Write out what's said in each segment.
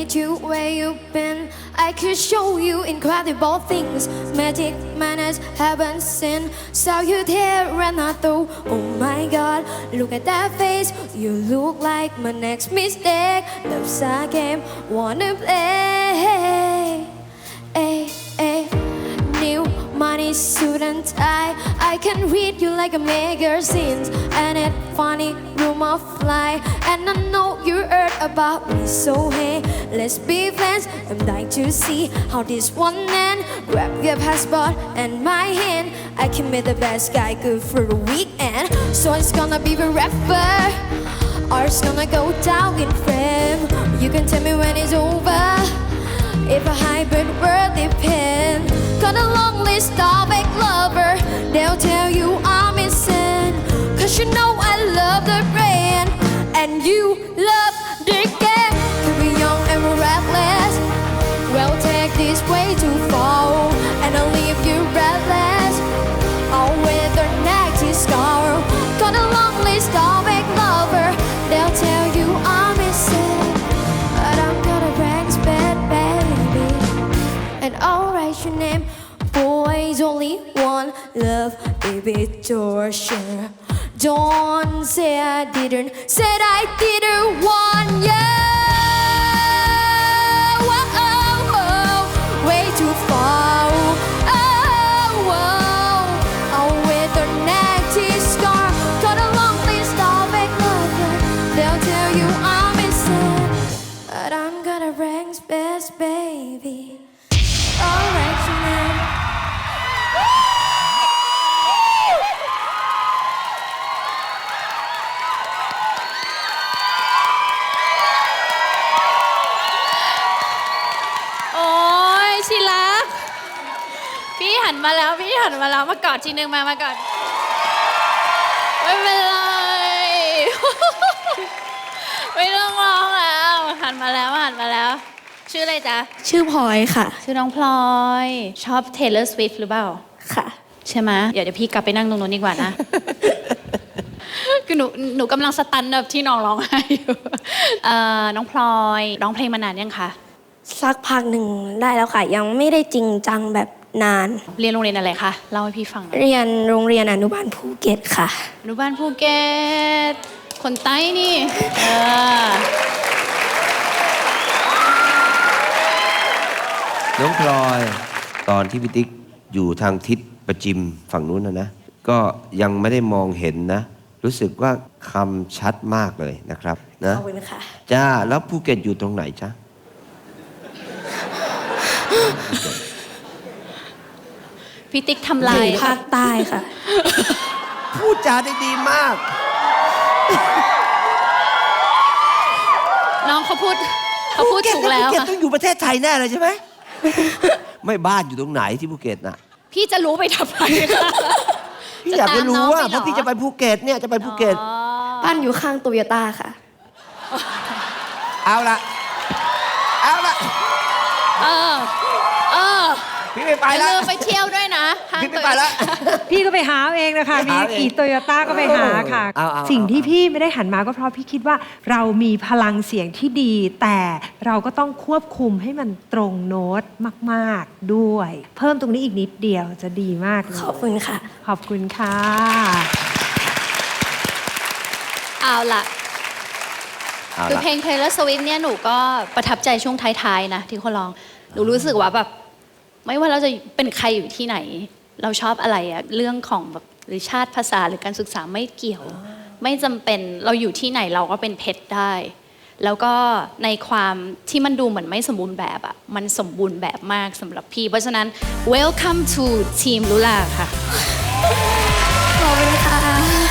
meet you where you've been. I could show you incredible things, magic manners haven't seen. Saw you there and I thought, oh my God, look at that face. You look like my next mistake. Love's a game, wanna play. Ay, ay. New money suit and tie. I can read you like a magazine, and it funny rumor fly. And I know you heard about me, so hey, let's be friends. I'm dying to see how this one ends. Grab your passport and my hand. I can be the best guy, good for the weekend. So it's gonna be forever, or it's gonna go down in frame. You can tell me when it's over, if a hybrid world depends. Got a long list of ex-lover, they'll tell you I'm insane. Cause you know I love the brand, and you love the game. Could be young and we're reckless, we'll take this way too far, and I'll leave you breathless, all with our next scar. Got a long list of ex-lover, they'll tell you I'm insane, but I'm gonna bring bad baby, and I'll write your name. Boys only one love, baby torture. Don't say I didn't, said I didn't want you. Oh, oh, way too far. Oh, oh, with the next scar. Got a long list of ex-lovers, they'll tell you I'm insane, but I'm gonna rank best, baby. Alright, you man. โอ้ยชิลักพี่หันมาแล้วมากอดทีนึงมากอดไม่เป็นไร ไม่ต้องร้องแล้วหันมาแล้วชื่ออะไรจ๊ะชื่อพลอยค่ะชื่อน้องพลอยชอบ Taylor Swift หรือเปล่าค่ะใช่ไหมเดี๋ยวพี่กลับไปนั่งตรงนู้นดีกว่านะ คือหนูกำลังสตันแบบที่น้องร้องไห้อยู่น้องพลอยร้องเพลงมานานยังคะสักพักหนึ่งได้แล้วค่ะ ยังไม่ได้จริงจังแบบนานเรียนโรงเรียนอะไรคะเล่าให้พี่ฟังหน่อยเรียนโรงเรียนอนุบาลภูเก็ตค่ะอนุบาลภูเก็ตคนใต้นี่น้องพลอยตอนที่พี่ติ๊กอยู่ทางทิศประจิมฝั่งนู้นนะก็ยังไม่ได้มองเห็นนะ รู้สึกว่าคำชัดมากเลยนะครับนะขอบคุณค่ะจ้าแล้วภูเก็ตอยู่ตรงไหนจ๊ะพี่ติ๊กทำลายภาคใต้ค่ะพูดจาได้ดีมากน้องเขาพูดถูกแล้วภูเก็ตค่ะต้องอยู่ประเทศไทยแน่เลยใช่ไหม ไม่บ้านอยู่ตรงไหนที่ภูเก็ตน่ะพี่จะรู้ไปทำไมคะพี่อยากจะรู้ว่าจะตามน้องไปเหรอเพราะพี่จะไปภูเก็ตเนี่ยจะไปภูเก็ตบ้านอยู่ข้างโตโยต้าค่ะเอาละเออพี่ไม่ไปอย่าแล้วลืมไปเที่ยวด้วยนะห้างพี่ไม่ไปแล้วพี่ก็ไปหาเองนะคะไปมีหาเองกี่โตโยต้าก็ไปหาค่ะเอาสิ่งที่พี่ไม่ได้หันมาก็เพราะพี่คิดว่าเรามีพลังเสียงที่ดี แต่เราก็ต้องควบคุมให้มันตรงโน้ตมากๆด้วย เพิ่มตรงนี้อีกนิดเดียวจะดีมากเลยขอบคุณค่ะขอบคุณค่ะเอาล่ะเอาคือละเพลง Taylor Swift เนี่ยหนูก็ประทับใจช่วงท้ายๆนะที่เขาร้องหนูรู้สึกว่าแบบไม่ว่าเราจะเป็นใครอยู่ที่ไหน เราชอบอะไรอะเรื่องของแบบหรือชาติภาษาหรือการศึกษาไม่เกี่ยว ไม่จำเป็นเราอยู่ที่ไหนเราก็เป็นเพชรได้ แล้วก็ในความที่มันดูเหมือนไม่สมบูรณ์แบบอะมันสมบูรณ์แบบมากสำหรับพี่ เพราะฉะนั้น welcome to team ลุลาค่ะขอบคุณค่ะ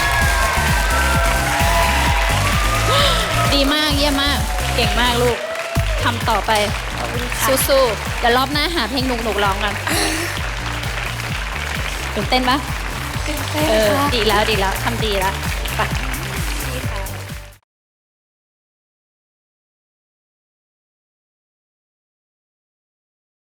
ดีมากเยี่ยมมาก เก่งมากลูกทำต่อไปสู้ๆเดี๋ยวรอบหน้าหาเพลงหนุกๆร้องกันตื่นเต้นปะตื่นเต้นค่ะดีแล้วทำดีแล้วไป